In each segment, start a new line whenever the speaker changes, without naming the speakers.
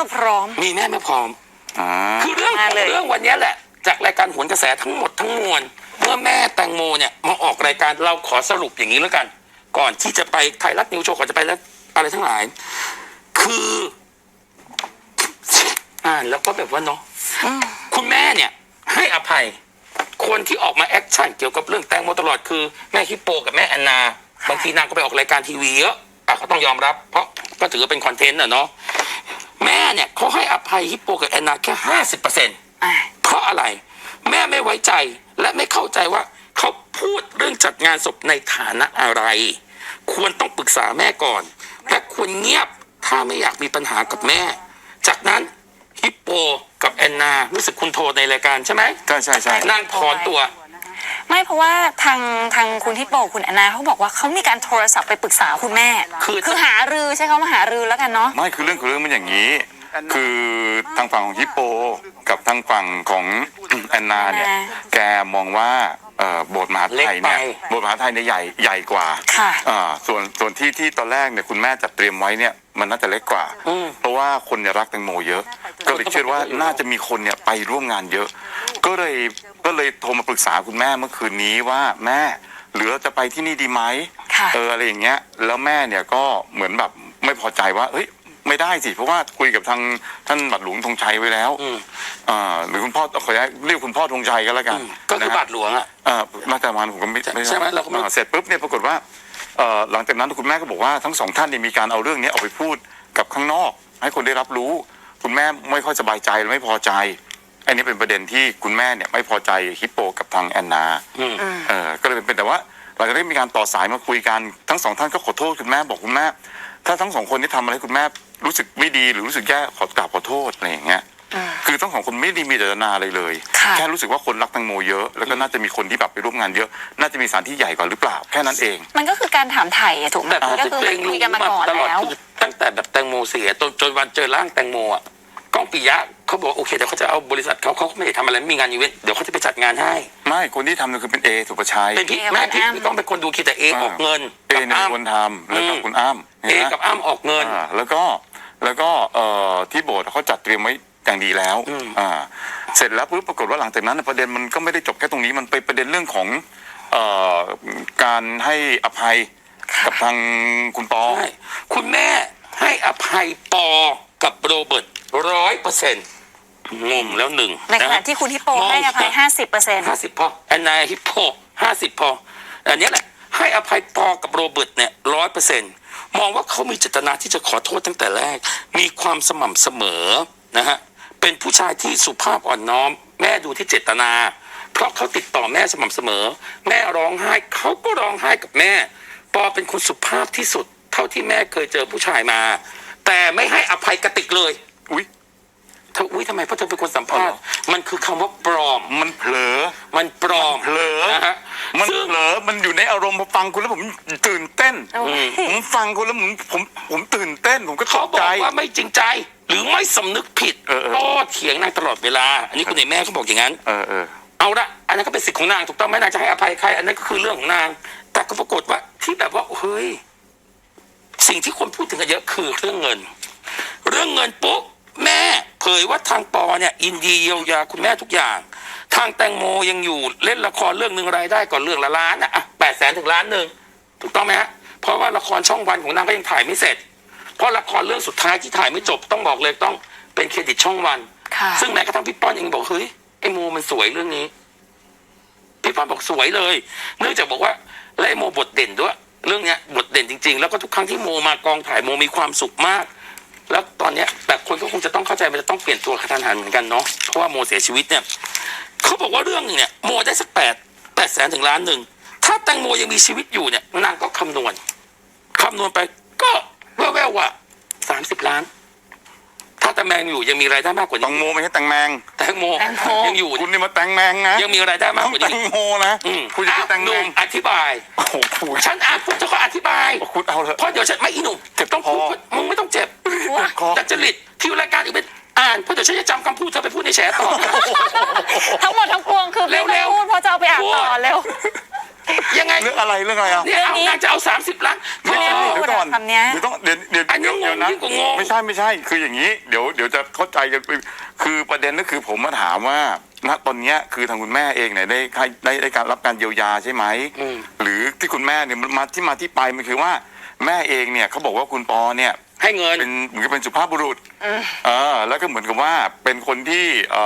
มื่อพร้อม
มีแม่เมื่อพร้อมคือเรื่องวันนี้แหละจากรายการโหนกระแสทั้งหมดทั้งมวลเมื่อแม่แตงโมเนี่ยมาออกรายการเราขอสรุปอย่างนี้แล้วกันก่อนที่จะไปไทยรัฐนิวโชว์ก่อนจะไปแล้วอะไรทั้งหลายคืออ่านแล้วก็แบบว่าเนาะคุณแม่เนี่ยให้อภัยคนที่ออกมาแอคชั่นเกี่ยวกับเรื่องแตงโมตลอดคือแม่ฮิปโปกับแม่แอนนาบางทีนางก็ไปออกรายการทีวีเยอะเขาต้องยอมรับเพราะก็ถือว่าเป็นคอนเทนต์เนาะแม่เนี่ยเขาให้อภัยฮิปโปกับแอนนาแค่50%เพราะอะไรแม่ไม่ไว้ใจและไม่เข้าใจว่าเขาพูดเรื่องจัดงานศพในฐานะอะไรควรต้องปรึกษาแม่ก่อนและควรเงียบถ้าไม่อยากมีปัญหากับแม่จากนั้นฮิปโปกับแอนนารู้สึกคุณโทรในรายการใช่ไหมใช่นางถอนตัว
ไม่เพราะว่าทางคุณฮิปโปคุณแอนนาเขาบอกว่าเขามีการโทรศัพท์ไปปรึกษาคุณแม่คือหารือใช่เขามาหารือแล้วกันเนาะ
ไม่คือเรื่องมันอย่างนี้คือทางฝั่งของฮิปโปกับทางฝั่งของแอนนาเนี่ยแกมองว่าโบสถ์มหาไทยเนี่ยโบสถ์มหาไทยเนี่ยใหญ่กว่าส่วนที่ตอนแรกเนี่ยคุณแม่จัดเตรียมไว้เนี่ยมันน่าจะเล็กกว่าเพราะว่าคนเนี่ยรักแตงโมเยอะก็เลยเชื่อว่าน่าจะมีคนเนี่ยไปร่วมงานเยอะก็เลยโทรมาปรึกษาคุณแม่เมื่อคืนนี้ว่าแม่หรือเราจะไปที่นี่ดีไหมอะไรอย่างเงี้ยแล้วแม่เนี่ยก็เหมือนแบบไม่พอใจว่าเฮ้ยไม่ได้สิเพราะว่าคุยกับทางท่านบาทหลวงธงชัยไว้แล้วหรือคุณพ่อขอเรียกคุณพ่อธงชัยก็แล้วกัน
ก็คือบาทหลวง
มาแต่วันผมก็ไม่
ใช่ไหมเราก็
เสร็จปุ๊บเนี่ยปรากฏว่าหลังจากนั้นคุณแม่ก็บอกว่าทั้งสองท่านเนี่ยมีการเอาเรื่องนี้ออกไปพูดกับข้างนอกให้คนได้รับรู้คุณแม่ไม่ค่อยสบายใจและไม่พอใจอันนี้เป็นประเด็นที่คุณแม่เนี่ยไม่พอใจฮิปโปกับทางแอนนาก็เลยเป็นแต่ว่าหลังจากได้มีการต่อสายมาคุยกันทั้งสองท่านก็ขอโทษคุณแม่บอกคุณแม่ถ้าทั้งสองคนที่ทำอะไรคุณแม่รู้สึกไม่ดีหรือรู้สึกแย่ขอโทษอะไรอย่างเงี้ยคือทั้งสองคนไม่ได้มีเจตนาอะไรเลยแค่รู้สึกว่าคนรักแตงโมเยอะแล้วก็น่าจะมีคนที่แบบไปร่วมงานเยอะน่าจะมีสถานที่ใหญ่กว่าหรือเปล่าแค่นั้นเอง
มันก็คือการถามไถ่ถูกไหมก็คือมันคุยกันมาก่อนแล้ว
ตั้งแต่แบบแตงโมเสียจนวันเจอร่างแตงโมอ่ะก้องปิยะเขาบอกโอเคเดี๋ยวเขาจะเอาบริษัทเขาไม่ได้ทำอะไรไม่มีงานอีเวนต์เดี๋ยวเขาจะไปจัดงานให้
ไม่คนที่ทำเนี่ยคือเป็นเอสุภชัย
เป็นพี่แม่พี่ต้องเป็นคนดูคิดแต่เอออกเงิน
เอเนี่ยคนทำแล้วก็คุณอ้ำ
เอกับอ้ำออกเงิน
แล้วก็ที่โบสถ์เขาจัดเตรียมไว้อย่างดีแล้วเสร็จแล้วปุ๊บปรากฏว่าหลังจากนั้นประเด็นมันก็ไม่ได้จบแค่ตรงนี้มันไปประเด็นเรื่องของการให้อภัยกับทางคุณปอ
คุณแม่ให้อภัยปอกับโรเบิร์ต100%งงแล้วหนึ่ง
ในขณะที่คุณฮิปโปให้อภัย50%
50พอแอนนาฮิปโป50พออันนี้แหละให้อภัยปอกับโรเบิร์ตเนี่ย100%มองว่าเขามีเจตนาที่จะขอโทษตั้งแต่แรกมีความสม่ำเสมอนะฮะเป็นผู้ชายที่สุภาพอ่อนน้อมแม่ดูที่เจตนาเพราะเขาติดต่อแม่สม่ำเสมอแม่ร้องไห้เขาก็ร้องไห้กับแม่ปอเป็นคนสุภาพที่สุดเท่าที่แม่เคยเจอผู้ชายมาแต่ไม่ให้อภัยกติกเลยเธอทำไมเพราะเธอเป็นคนสัมภาษณ์มันคือคำว่าปลอม
มันเผลอ
มันปลอม
เผลอนะฮะมันเผลอมันอยู่ในอารมณ์พอฟังคุณแล้วผมตื่นเต้นผมฟังคุณแล้วผมตื่นเต้นผมก็ตกใจ
เขาบอกว่าไม่จริงใจหรือไม่สำนึกผิดโต้เถียงนางตลอดเวลาอันนี้คุณในแม่เขาบอกอย่างนั้นเอาละอันนั้นก็เป็นสิทธิ์ของนางถูกต้องไหมนางจะให้อภัยใครอันนั้นก็คือเรื่องของนางแต่ก็ปรากฏว่าที่แบบว่าเฮ้ยสิ่งที่คนพูดถึงกันเยอะคือเรื่องเงินปุ๊บแม่เผยว่าทางปอเนี่ยยินดีเยียวยาคุณแม่ทุกอย่างทางแตงโมยังอยู่เล่นละครเรื่องนึงรายได้ก่อนเรื่องละล้าน800,000 ถึง1 ล้านถูกต้องไหมฮะเพราะว่าละครช่องวันของนางก็ยังถ่ายไม่เสร็จเพราะละครเรื่องสุดท้ายที่ถ่ายไม่จบต้องบอกเลยต้องเป็นเครดิตช่องวันซึ่งแม้กระทั่งพี่ป้อนเองบอกเฮ้ยไอโมมันสวยเรื่องนี้พี่ป้อนบอกสวยเลยเนื่องจากบอกว่าและไอโมบทเด่นด้วยเรื่องเนี้ยบทเด่นจริงๆแล้วก็ทุกครั้งที่โมมากองถ่ายโมมีความสุขมากแล้วตอนเนี้ยแต่คนก็คงจะต้องเข้าใจมันจะต้องเปลี่ยนตัวกระทันหันเหมือนกันเนาะเพราะว่าโมเสียชีวิตเนี่ยเขาบอกว่าเรื่องนึงเนี่ยโมได้สัก800,000 ถึง1 ล้านถ้าแตงโมยังมีชีวิตอยู่เนี่ยนางก็คำนวณไปก็แว่วๆว่า30 ล้านถ้าแตงแมงอยู่ยังมีรายได้มากกว่านี้
แตงโมไม่ใช่แตงแมง
ยังอยู่
คุณนี่มาแตงแมงนะ
ยังมีรายได้มากกว่านี้
แตงโมนะคุณจะแตงแมง
อธิบายฉันอ่านปุ๊บจะขออธิบาย
คุณเอาเถอะ
เพราะเดี๋ยวฉันไม่อีหนุ่มต้องพูดมึงไม่ต้องเจ็บแต่จริตที่รายการอื่นเป็นอ่านเพราะเดี๋ยวฉันจะจำคำพูดเธอไปพูดในแฉต่อ
ทั้งหมดทั้งปวงคือไม่ต้องพูดเพราะจะเอาไปอ่านต่อเร็ว
ยังไง
เรื่องอะไรอ่ะ
เนี่ยเอานางจะเอา30 ล้าน
เดี๋ยวก่อน
คำเนี้ย
เดี๋ยวต้องเดี๋ยว
อันนี้งง
นะ
ยิ่งกว่างง
ไม่ใช่คืออย่างนี้เดี๋ยวจะเข้าใจกันคือประเด็นก็คือผมมาถามว่าณตอนเนี้ยคือทางคุณแม่เองเนี่ยได้การรับการเยียวยาใช่ไหมหรือที่คุณแม่เนี่ยมาที่ไปมันคือว่าแม่เองเนี่ยเขาบอกว่าคุณปอเนี่ย
ให้เงิน
เป็นเหมือนกับเป็นสุภาพบุรุษแล้วก็เหมือนกับว่าเป็นคนที่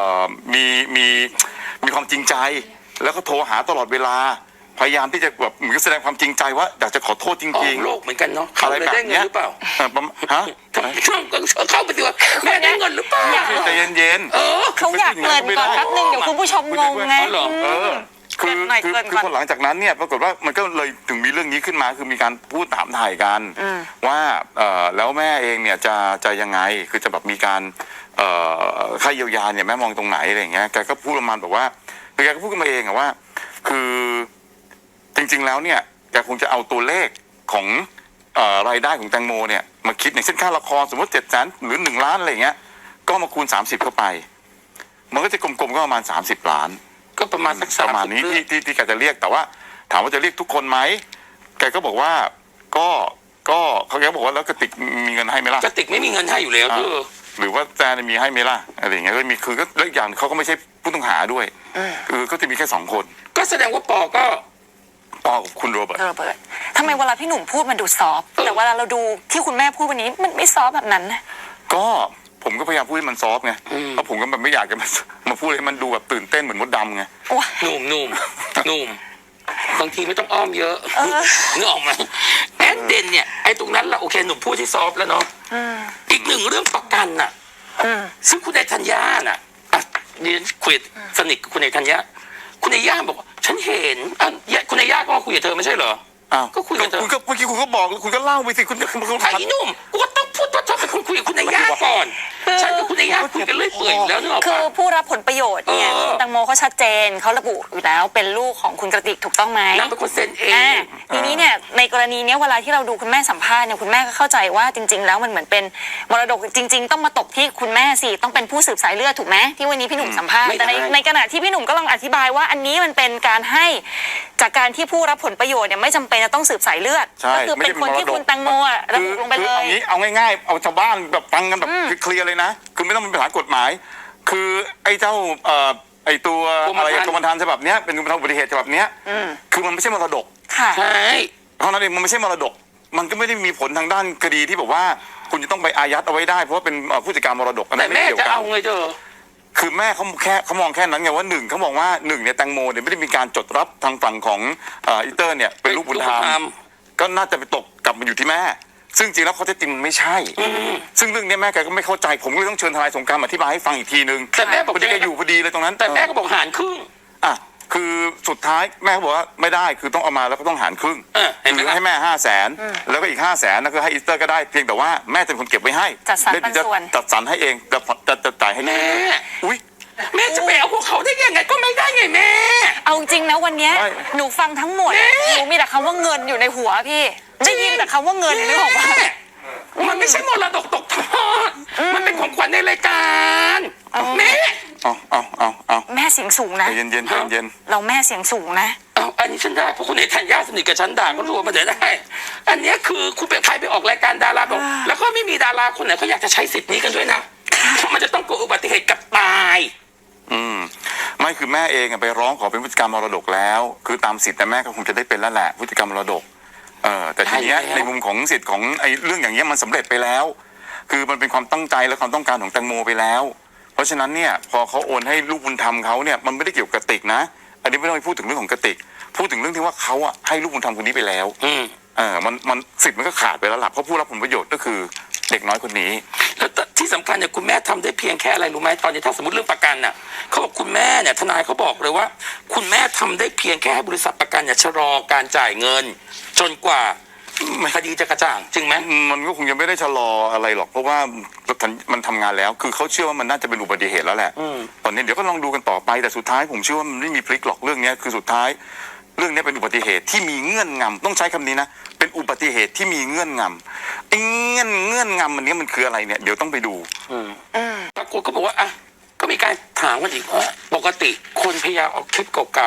มีความจริงใจแล้วก็โทรหาตลอดเวลาพยายามที่จะแบบเหมือนแสดงความจริงใจว่าอยากจะขอโทษจริงๆ
โลกเหมือนกันเนาะเขาเลยได้เงินหรือเปล่า
ฮะ
เข้าไปสิว่าแม่ได้เงินหรือเปล่า
ใจเย็น
เขาอยากเกรินก่อนแป๊บนึงเดี๋ยวคุณผู้ชมงงไง
คือ
เกริ่นหน่อยเกริ่นก่อน
พอหลังจากนั้นเนี่ยปรากฏว่ามันก็เลยถึงมีเรื่องนี้ขึ้นมาคือมีการพูดถามถ่ายกันว่าแล้วแม่เองเนี่ยจะยังไงคือจะแบบมีการค่าเยียวยาเนี่ยแม่มองตรงไหนอะไรอย่างเงี้ยแกก็พูดประมาณแบบว่าคือแกก็พูดขึ้นมาเองอะว่าคือจริงๆแล้วเนี่ยแกคงจะเอาตัวเลขของรายได้ของแตงโมเนี่ยมาคิดอย่างเช่นค่าละครสมมติ700,000หรือ1 ล้านอะไรอย่างเงี้ยก็มาคูณ30เข้าไปมันก็จะกลมๆก็ประมาณ30 ล้าน
ก็ประมาณสัก
ประมาณนี้ที่แกจะเรียกแต่ว่าถามว่าจะเรียกทุกคนไหมแกก็บอกว่าก็เขาแกบอกว่าแล้วกติกมีเงินให้ไหมล่ะ
กติกไม่มีเงินให้อยู่แล้ว
หรือว่าแจนมีให้ไหมล่ะอะไรอย่างเงี้ยก็มีคือก็เรื่องอย่างเขาก็ไม่ใช่ผู้ต้องหาด้วยคือก็จะมีแค่2 คน
ก็แสดงว่าปอกับ
คุณโรเบิร์ต
ทำไมเวลาพี่หนุ่มพูดมันดูซอฟแต่เวลาเราดูที่คุณแม่พูดวันนี้มันไม่ซอฟแบบนั้นนะ
ก็ผมก็พยายามพูดให้มันซอฟไงเพราะผมก็แบบไม่อยากจะมาพูดให้มันดูแบบตื่นเต้นเหมือนมดดำไง
หนุ่มบางทีไม่ต้องอ้อมเยอะนึกออกไหมแอดเดนเนี่ยไอ้ตรงนั้นละโอเคหนุ่มพูดที่ซอฟแล้วเนาะอีกหนึ่งเรื่องประกันน่ะซึ่งคุณนายธัญญาน่ะเรียนคุยสนิทกับคุณนายธัญญาคุณนายย่าบอกฉันเห็นคุณนายย่าก็มาคุยกับเธอไม่ใช่เหรอก็คุยกับเธอ
คุณก็เมื่อกี้คุณก็บอกคุณก็เล่าไปสิคุณ
ไอ้หนุ่มกูก็ต้องพูดว่าเธอเป็นคนคุยกับคุณนายย่าก่อนฉันกับคุณนายย่าคุยกันเรื่อยเปื่อยแล้วเนอะ
คือผู้รับผลประโยชน์เนี่ยคุณตังโมเขาชัดเจนเขาระบุอยู่แล้วเป็นลูกของคุณกระติกถูกต้องไหม
นางเป็นคนเซ็นเอง
ทีนี้เนี่ยในกรณีนี้เวลาที่เราดูคุณแม่สัมภาษณ์เนี่ยคุณแม่ก็เข้าใจว่าจริงๆแล้วมันเหมือนเป็นมรดกจริงๆต้องมาตกที่คุณแม่สิต้องเป็นผู้สืบสายเลือดถูกไหมที่วันนี้พี่หนุ่มสัมภาษณ์แต่ในขณะที่พี่หนุ่มก็ลองอธิบายว่าอันนี้มันเป็นการให้จากการที่ผู้รับผลประโยชน์เนี่ยไม่จำเป็นจะต้องสืบสายเลือดก็คือเป็นคนที่คุณตังโมระบุลงไปเลย
เอาง่ายๆเอาชาวบ้านแบบฟังกันแบบเคลียร์เลยนะคือไม่ต้องมีปัญหากฎหมายคือไอ้เจ้าไอ้ตัวอะไรกรมธรรม์ฉบับเนี้ยเป็นกรมธรรม์อุบัติเหตุฉบับเนี้ยคือมันไม่ใช่มรดก
ใช่
เพราะนั้นเองมันไม่ใช่มรดกมันก็ไม่ได้มีผลทางด้านคดีที่แบบว่าคุณจะต้องไปอายัดเอาไว้ได้เพราะว่าเป็นผู้จัดการมรดก
แต่แม่จะเอาไงเธอ
คือแม่เขามองแค่นั้นไงว่า1เขามองว่า1เนี่ยแตงโมเนี่ยไม่ได้มีการจดรับทางฝั่งของอีเตอร์เนี่ยเป็นลูกบุญธรรมก็น่าจะไปตกกลับมาอยู่ที่แม่ซึ่งจริงแล้วเขาจะจริงมันไม่ใช่ซึ่งเรื่องนี้แม่แกก็ไม่เข้าใจผมก็เลยต้องเชิญทนายสงกรานต์อธิบายให้ฟังอีกทีนึง
แต่แม่บอก
แกอยู่พอดีเลยตรงนั้น
แต่แม่ก็บอกหารครึ่ง
คือสุดท้ายแม่บอกว่าไม่ได้คือต้องเอามาแล้วก็ต้องหารครึ่งหรือให้แม่500,000แล้วก็อีก500,000นั่นคือให้อีสเตอร์ก็ได้เพียงแต่ว่าแม่จะเป็นคนเก็บไว้ให้
จัดสรรปันส่วน
จัดสรรให้เองจะจ่ายให้
แม่
อุ้ย
แม่จะไปเอาพวกเขาได้ยังไงก็ไม่ได้ไงแม่
เอาจริงนะวันนี้หนูฟังทั้งหมดหนูมีแต่คำว่าเงินอยู่ในหัวพี่ได้ยินแต่คำว่าเงินนึกออกปะ
มันไม่ใช่มรดกตกทอดมันเป็นของขวัญในรายการแม่
เอา
แม่เสียงสูงนะ
เย็น
เราแม่เสียงสูงนะ
อันนี้ฉันได้เพราะคุณเอกธัญญาสนิทกับฉันด่าก็รู้ว่ามันจะได้อันนี้คือคุณเป็นใครไปออกรายการดาราบอกแล้วก็ไม่มีดาราคนไหนเขาอยากจะใช้สิทธิ์นี้กันด้วยนะเพราะมันจะต้องเกิดอุบัติเหตุกับตาย
ไม่คือแม่เองไปร้องขอเป็นผู้จัดการมรดกแล้วคือตามสิทธิ์แต่แม่ก็คงจะได้เป็นแล้วแหละผู้จัดการมรดกแต่ทีนี้ในมุมของสิทธิ์ของไอ้เรื่องอย่างเงี้ยมันสำเร็จไปแล้วคือมันเป็นความตั้งใจและความต้องการของแตงโมไปแล้วเพราะฉะนั้นเนี่ยพอเขาโอนให้ลูกบุญธรรมเขาเนี่ยมันไม่ได้เกี่ยวกับกระติกนะอันนี้ไม่ต้องไปพูดถึงเรื่องของกระติกพูดถึงเรื่องที่ว่าเขาให้ลูกบุญธรรมคนนี้ไปแล้วมันสิทธิ์มันก็ขาดไปแล้วล่ะเพราะผู้รับผลประโยชน์ก็คือเด็กน้อยคนนี้
แล้วที่สำคัญเนี่ยคุณแม่ทำได้เพียงแค่อะไรรู้ไหมตอนนี้ถ้าสมมติเรื่องประกันน่ะเขาบอกคุณแม่เนี่ยทนายเขาบอกเลยว่าคุณแม่ทำได้เพียงแค่ให้บริษัทประกันเนี่ยชะลอการจ่ายเงินจนกว่าคดีจะกระจ่างจริงไหม
มันก็คงยังไม่ได้ชะลออะไรหรอกเพราะว่ามันทำงานแล้วคือเขาเชื่อว่ามันน่าจะเป็นอุบัติเหตุแล้วแหละตอนนี้เดี๋ยวก็ลองดูกันต่อไปแต่สุดท้ายผมเชื่อว่ามันไม่มีพลิกหรอกเรื่องนี้คือสุดท้ายเรื่องนี้เป็นอุบัติเหตุที่มีเงื่อนงำต้องใช้คำนี้นะเป็นอุบัติเหตุที่มีเงื่อนงำไอ้เงื่อนงำมันนี้มันคืออะไรเนี่ยเดี๋ยวต้องไปดู
ปรากฏก็บอกว่าก็มีการถามกันอีกว่าปกติคนพยายามเอาคลิปเก่าๆจาก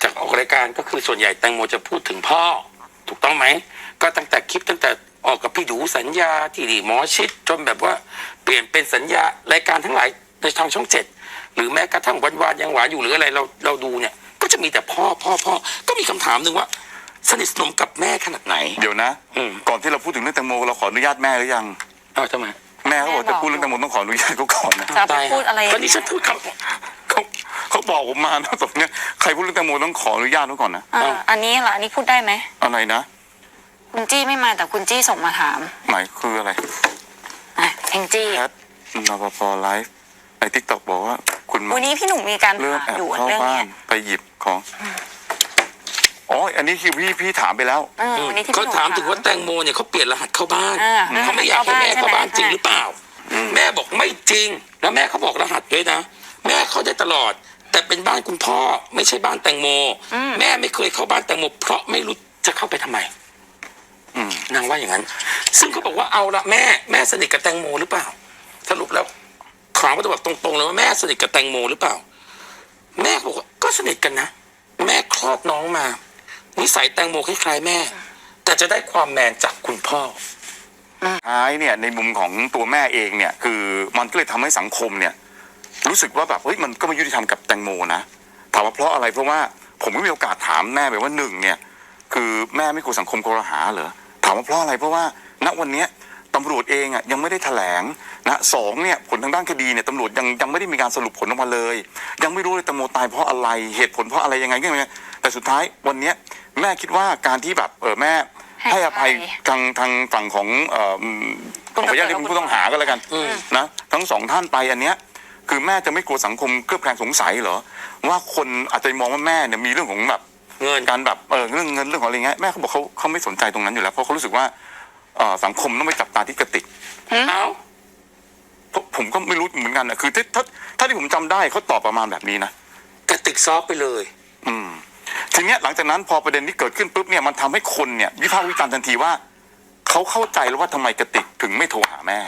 จากออกรายการก็คือส่วนใหญ่แตงโมจะพูดถึงพ่อถูกต้องไหมก็ตั้งแต่คลิปตั้งแต่ออกกับพี่ดูสัญญาที่ดีหมอชิดจนแบบว่าเปลี่ยนเป็นสัญญารายการทั้งหลายในทางช่องเจ็ดหรือแม้กระทั่งวันวานยังหวานอยู่หรืออะไรเราดูเนี่ยก็จะมีแต่พ่อก็มีคำถามหนึ่งว่าสนิทสนมกับแม่ขนาดไหน
เดี๋ยวนะ ก่อนที่เราพูดถึงเรื่องแตงโมเราขออนุญาตแม่หรือยัง
อ้าวทำไม
แม่เขาบอกจะพูดเรื่องแตงโมต้องขออนุญาตเขาก่อนนะ
จะไปพูดอะไร
ตอนนี้ฉันพูดค
เขาบอกผมมานะตรงเนี้ยใครพูดเรื่องแตงโมต้องขออนุญาตเขาก่อนนะ
อันนี้เหรออันนี้พูดได้ไหม
อะไรนะ
คุณจี้ไม่มาแต่คุณจี้ส่งมาถาม
หมายคืออะไร
แองจี้
แพทนปปไลฟ์ในทิกตอกบอกว่าคุณมา
วันนี้พี่หนุ่มมีการ
เรื่อง
ถาม
แอบ
อยู่
เข้า
เรื่อง
บ้า
เนี้
น
ย
ไปหยิบของอ๋ออันนี้คือพี่ถามไปแล้ว
วันนี้ที่
ำเขา
พี่หนุ่
ถามถึงว่าแตงโมเนี่ยเขาเปลี่ยนรหัสเข้าบ้าน
อ่า
เขาไม่อยากให้แม่เข้าบ้าน
ใช่ไหม
จริงหรือเปล่า แม่บอกไม่จริง แล้วแม่เขาบอกรหัสด้วยนะ แม่เขาได้ตลอด แต่เป็นบ้านคุณพ่อไม่ใช่บ้านแตงโม แม่ไม่เคยเข้าบ้านแตงโมเพราะไม่รู้จะเข้าไปทำไมนางว่าอย่างนั้น ซึ่งเขาบอกว่าเอาละแม่สนิทกับแตงโมหรือเปล่า สรุปแล้วถามว่าแบบตรงๆเลยว่าแม่สนิทกับแตงโมหรือเปล่า แม่บอกว่าก็สนิทกันนะ แม่คลอดน้องมานิสัยแตงโมคล้ายๆแม่ แต่จะได้ความแมนจากคุณพ่อ
ท้ายเนี่ยในมุมของตัวแม่เองเนี่ยคือมันก็เลยทำให้สังคมเนี่ยรู้สึกว่าแบบเฮ้ยมันก็ไม่ยุติธรรมกับแตงโมนะถามว่าเพราะอะไรเพราะว่าผมก็มีโอกาสถามแม่ไปว่าหนึ่งเนี่ยคือแม่ไม่กลัวสังคมครหาเหรอถามว่าเพราะอะไรเพราะว่าณวันเนี้ยตำรวจเองอ่ะยังไม่ได้แถลงนะสองเนี่ยผลทางด้านคดีเนี่ยตำรวจยังไม่ได้มีการสรุปผลออกมาเลย ยังไม่รู้เลยแตงโมตายเพราะอะไรเหตุผลเพราะอะไรยังไงก็ไม่รู้แต่สุดท้ายวันเนี้ยแม่คิดว่าการที่แบบแม่ให้อภัยทางฝั่งของขออนุญาตเรียกเป็นผู้ต้องหาก็แล้วกันนะทั้งสองท่านไปอันเนี้ยคือแม่จะไม่กลัวสังคมเคลือบแคลงสงสัยเหรอว่าคนอาจจะมองว่าแม่เนี่ยมีเรื่องของแบบ
เงิน
การแบบเรื่องเงินเรื่องของอะไรเงี้ยแม่เขาบอกเขาไม่สนใจตรงนั้นอยู่แล้วเพราะเขารู้สึกว่าสังคมต้องไปจับตาที่กระติก
เอ้า
ผมก็ไม่รู้เหมือนกันนะคือถ้าที่ผมจำได้เขาตอบประมาณแบบนี้นะ
กระติกซอฟไปเลย
ทีเนี้ยหลังจากนั้นพอประเด็นนี้เกิดขึ้นปุ๊บเนี่ยมันทำให้คนเนี่ยวิพากษ์วิจารณ์ทันทีว่าเขาเข้าใจแล้วว่าทำไมกระติกถึงไม่โทรหาแม่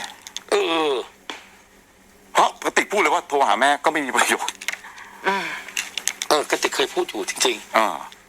เพราะกระติกพูดเลยว่าโทรหาแม่ก็ไม่มีประโยชน์
กระติกเคยพูดอยู่จริง